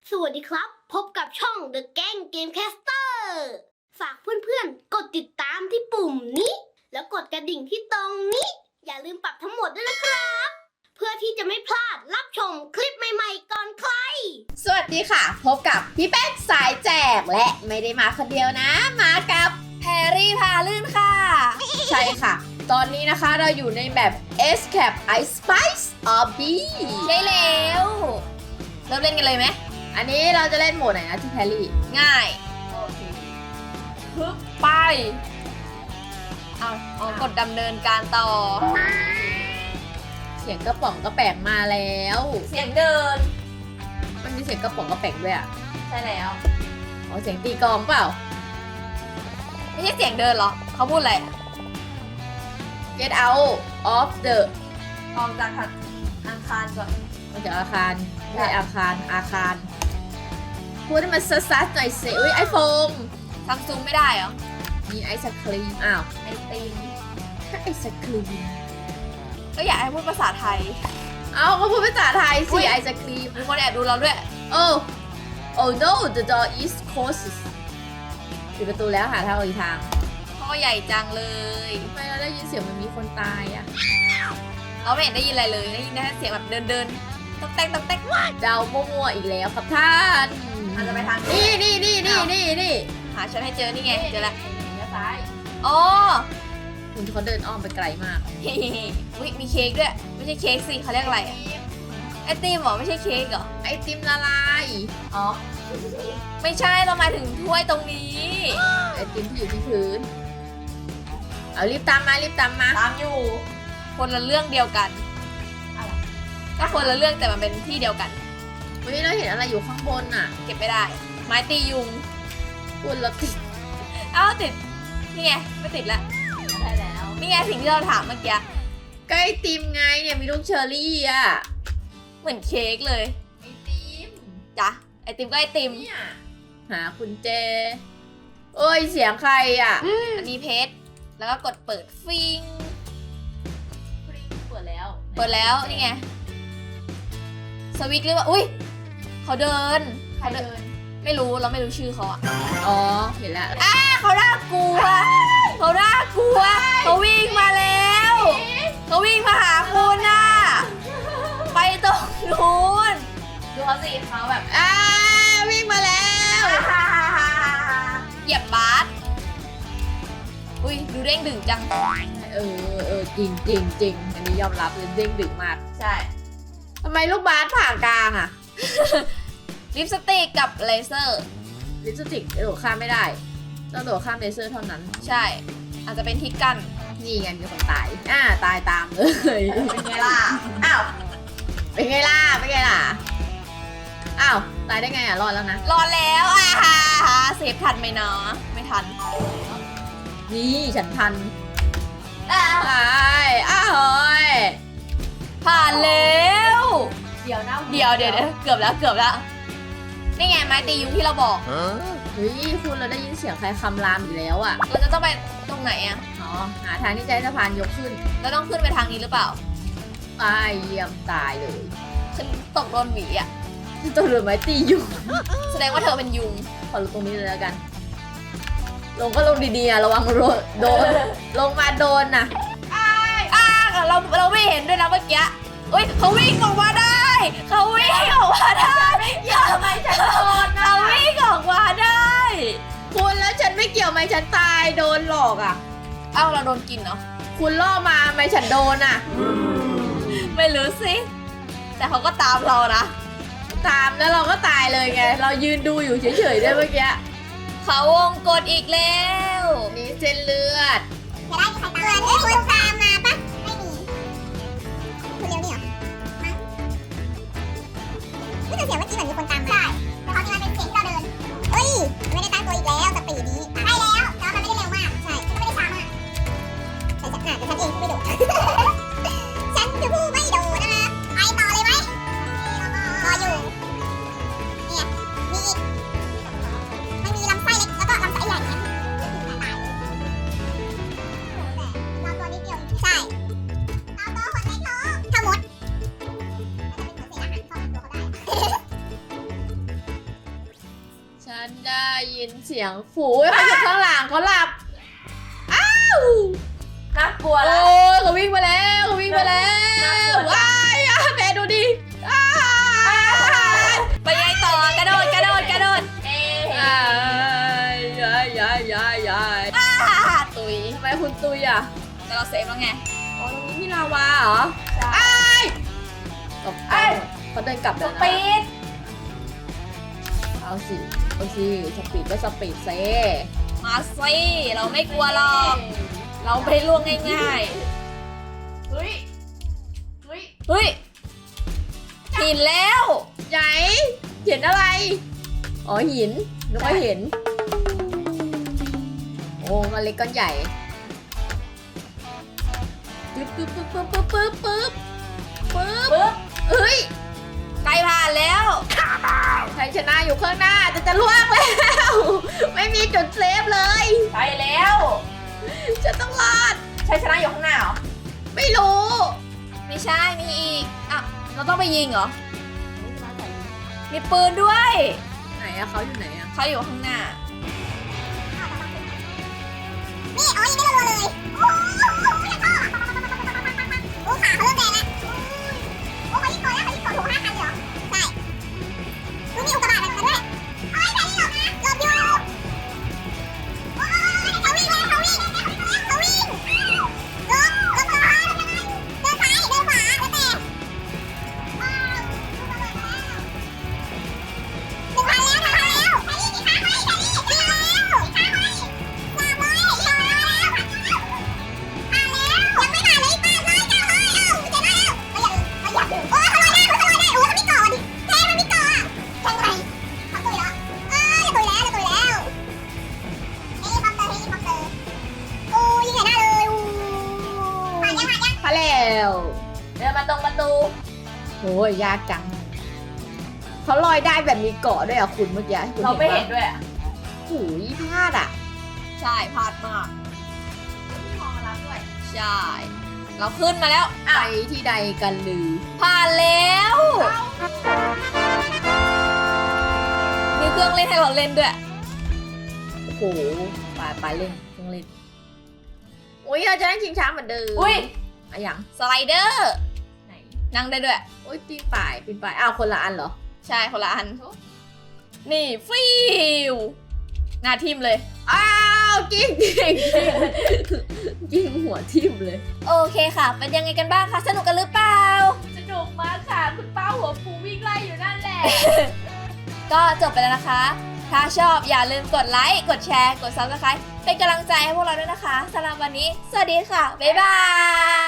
สวัสดีครับพบกับช่อง The Gang Gamecaster ฝากเพื่อนๆกดติดตามที่ปุ่มนี้แล้วกดกระดิ่งที่ตรงนี้อย่าลืมปรับทั้งหมดด้วยนะครับเพื่อที่จะไม่พลาดรับชมคลิปใหม่ๆก่อนใครสวัสดีค่ะพบกับพี่แป๊กสายแจกและไม่ได้มาคนเดียวนะมากับแพรรี่พาลื่นค่ะ ใช่ค่ะ ตอนนี้นะคะเราอยู่ในแบบ Escape Ice Spice Obby ใช่แล้วเริ่มเล่นกันเลยไหมอันนี้เราจะเล่นโหมดไหนนะที่แพรรี่ง่ายโอเคปึ๊บไปเอากดดำเนินการต่อเสียงกระป๋องกระแปงมาแล้วเสียงเดินมันมีเสียงกระป๋องกระแปงด้วยอ่ะใช่แล้วอ๋อเสียงตีกลองเปล่าไม่ใช่เสียงเดินเหรอเขาพูดอะไร Get out of the ออกจากอาคารก่อนมันจากอาคารไม่ใช่อาคารพูดให้มันซัดๆหน่อยสิอุ้ยไอโฟมซัมซุงไม่ได้เหรอมีไอศครีมอ้าวไอติมไอศครีมก็อยากให้พูดภาษาไทยเอาก็พูดภาษาไทยอุ๊สิยไอศครีมมีคนแอบดูเราด้วย oh no the door is closed ปิดประตูแล้วหาทางออกอีกทางพ่อใหญ่จังเลยทำไมเราได้ยินเสียงมันมีคนตายอะเราไม่เห็นได้ยินอะไรเลยได้ยินแค่เสียงแบบเดินตอกแตกตอกแตกเดามั่วๆอีกแล้วครับท่านอาจจะไปทางนี่หาฉันให้เจอนี่ไงเจอแล้วเลี้ยวซ้ายอ๋อคุณเขาเดินอ้อมไปไกลมากอุ๊ยมีเค้กด้วยไม่ใช่เค้กสิเขาเรียกอะไรอะไอติมเหรอไม่ใช่เค้กเหรอไอติมละลายอ๋อไม่ใช่เราหมายถึงถ้วยตรงนี้ไอติมที่อยู่ที่พื้นเอารีบตามมาตามอยู่ คนละเรื่องเดียวกันก็คนละเรื่องแต่มันเป็นที่เดียวกันวันนี้เราเห็นอะไรอยู่ข้างบนน่ะเก็บไม่ได้ ไม้ตียุงคุณเราติดเอ้าติดนี่ไงไม่ติดละได้แล้วนี่ไงสิ่งที่เราถามเมื่อกี้ก็ไอติมไงเนี่ยมีลูกเชอร์รี่อ่ะเหมือนเค้กเลยไอติมจ้ะไอติมก็ไอติมเนี่ยหาคุณเจเอ้ยเสียงใครอ่ะอันนี้เพชรแล้วก็กดเปิดฟิงเปิดแล้วเปิดแล้วนี่ไงสวิตช์หรือว่าอุ้ยเขาเดินใครเดินไม่รู้เราไม่รู้ชื่อเขาอะอ๋อเห็นแล้วเขาน่ากลัวเขาน่ากลัวเขาวิ่งมาแล้วเขาวิ่งมาหาคุณน่ะไปตรงนู้นดูเขาสิเขาแบบวิ่งมาแล้วเหยียบบาสอุ้ยดูเด้งดึงจังจริงอันนี้ยอมรับเลยเด้งดึกมากใช่ทำไมลูกบาสผ่ากลางอ่ะลิปสติกกับเลเซอร์ลิปสติกโดดข้ามไม่ได้ต้องโดดข้ามเลเซอร์เท่านั้นใช่อาจจะเป็นทิศกันนี่ไงมีคนตายตายตามเลยเป็นไงล่ะอ้าวเป็นไงล่ะอ้าวตายได้ไงอ่ะรอดแล้วนะรอแล้วเซฟทันไหมเนาะไม่ทันนี่ฉันทันตายเฮ้ยผ่านแล้วเดี๋ยวนะเดี๋ยวเกือบแล้วนี่ไงไม้ตียุงที่เราบอกเฮ้ยคุณเราได้ยินเสียงใครคำรามอยู่แล้วอ่ะเราจะต้องไปตรงไหนอะอ๋อหาทางที่จะให้สะพานยกขึ้นเราต้องขึ้นไปทางนี้หรือเปล่าตายเยี่ยมตายเลยฉันตกโดนหวีอะตัวเรือไม้ตีอยู่แสดงว่าเธอเป็นยุงขอลงตรงนี้เลยแล้วกัน ลงก็ลงดีๆอะระวังโดนลงมาโดนนะเราไม่เห็นด้วยนะเมื่อกี้อุ้ยเขาวิ่งออกมาได้เขาวิ่งออกมาได้ทำไมฉันโดนเขาวิ่งออกมาได้คุณแล้วฉันไม่เกี่ยวไหมฉันตายโดนหลอกอ่ะเอ้าเราโดนกินเนาะคุณล่อมาไหมฉันโดนอ่ะไม่รู้สิแต่เขาก็ตามเรานะตามแล้วเราก็ตายเลยไง เรายืนดูอยู่เฉยๆด้วยเมื่อกี้เขาวงกดอีกแล้วนี่เส้นเลือดจะได้มีใครตามคุณตามมาปะไม่มีคุณเร็วนี่เหรอไม่แต่เสียงเมื่อกี้เหมือนมีคนตามมาใช่แต่เขาจริงมันเป็นเสียงที่เราเดินเอ้ยไม่ได้ตั้งตัวอีกแล้วสปีดนี้ใช่แล้วแต่ว่ามันไม่ได้เร็วมากใช่ก็ไม่ได้ช้ามากแต่ฉันเองผู้ไม่โดด ฉันคือผู้ไม่โดดนะคะไปต่อเลยไหมรออยู่เนี่ยมีอีกมันมีลำไส้เล็กแล้วก็ลำไส้ใหญ่เนี่ยตายเลยเราตัวนิดเดียวใช่เราตัวคนเล็กลงถ้ามดมันจะเป็นเหมือนเศษอาหารเข้าตัวเขาได้นได้ยินเสียงฝูเขาอยู่ข้างหลังเขาหลับ อ้าวน่ากลัวโอ้แล้วยเขาวิ่งมาแล้วเขาวิ่งมาแล้วว้ายอ่ะแม่ดูดิอ้ายไปยังต่อกระโดดกระโดดกระโดดอ้ายยายยายยายยายตุยทำไมคุณตุยอ่ะแต่เราเซฟแล้วไงอ๋อตรงนี้มีลาวาเหรออ้ายตกใจเขาเดินกลับสแล้วนะปีดเอาสิเอาสิสปีดก็สปีดเซ่มาสิเราไม่กลัวหรอกเราไม่ล่วงง่ายเฮ้ยเฮ้ยๆเฮ้ยหินแล้วไหนเห็นอะไร อ๋อหินนึกว่าเห็น โอ้ก้อนเล็กก้อนใหญ่ปึ๊บปึ๊บปึ๊บปึ๊บปึ๊บปึ๊บปึ๊บปึ๊บปึ๊บเฮ้ยใกล้ผ่านแล้วใครชนะอยู่ข้างหน้าจะล่วงแล้ว ไม่มีจุดเซฟเลยใกล้แล้วจะต้องรอดชัยชนะอยู่ข้างหน้าเหรอไม่รู้ไม่ใช่มีอีกอ่ะเราต้องไปยิงเหรอมีปืนด้วยไหนอะเขาอยู่ไหนอะเขาอยู่ข้างหน้านี่อ๋อยังไม่รัวเลยโอ้โหยังพ่อโอ้ขาเขาเริ่มแดงแล้วโอ้เขายิ่งโตแล้วเขายิ่งโตถูก5,000เหรอใช่ดูมีอุกกาบาตมาด้วยโอ้ยแต่นี่หลบนะหลบอยู่โอ้ยเขาวิ่งแล้วเขาวิ่งเขาวิ่งหลบหลบก่อนเดินซ้ายเดินขวาแล้วแต่ว้าวพาแล้วเดินมาตรงประตูโอ้ยยากจังเขาลอยได้แบบมีเกาะด้วยอะคุณเมื่อกี้คุณเราไม่เห็นปะด้วยอ่ะหูยพลาดอะใช่พลาดมากใช่ เราขึ้นมาแล้วไปที่ใดกันลือผ่านแล้ว มีเครื่องเล่นให้เราเล่นด้วยโอ้โหไปเล่นเครื่องเล่นอุ้ยเราจะนั่งชิงช้าเหมือนเดิมอุ้ยอะอย่างสไลเดอร์ไหนนั่งได้ด้วยอุ้ยปีนป่ายอ้าวคนละอันเหรอใช่คนละอัน นี่ฟิวหน้าทิมเลยอ้าวกิ้งกิ้งหัวทิ่มเลยโอเคค่ะ เป็นยังไงกันบ้างคะ สนุกกันหรือเปล่าสนุกมากค่ะคุณป้าหัวฟูวิ่งไล่อยู่นั่นแหละก็จบไปแล้วนะคะ ถ้าชอบอย่าลืมกดไลค์ กดแชร์ กด Subscribe เป็นกำลังใจให้พวกเราด้วยนะคะสำหรับวันนี้ สวัสดีค่ะ บ๊ายบาย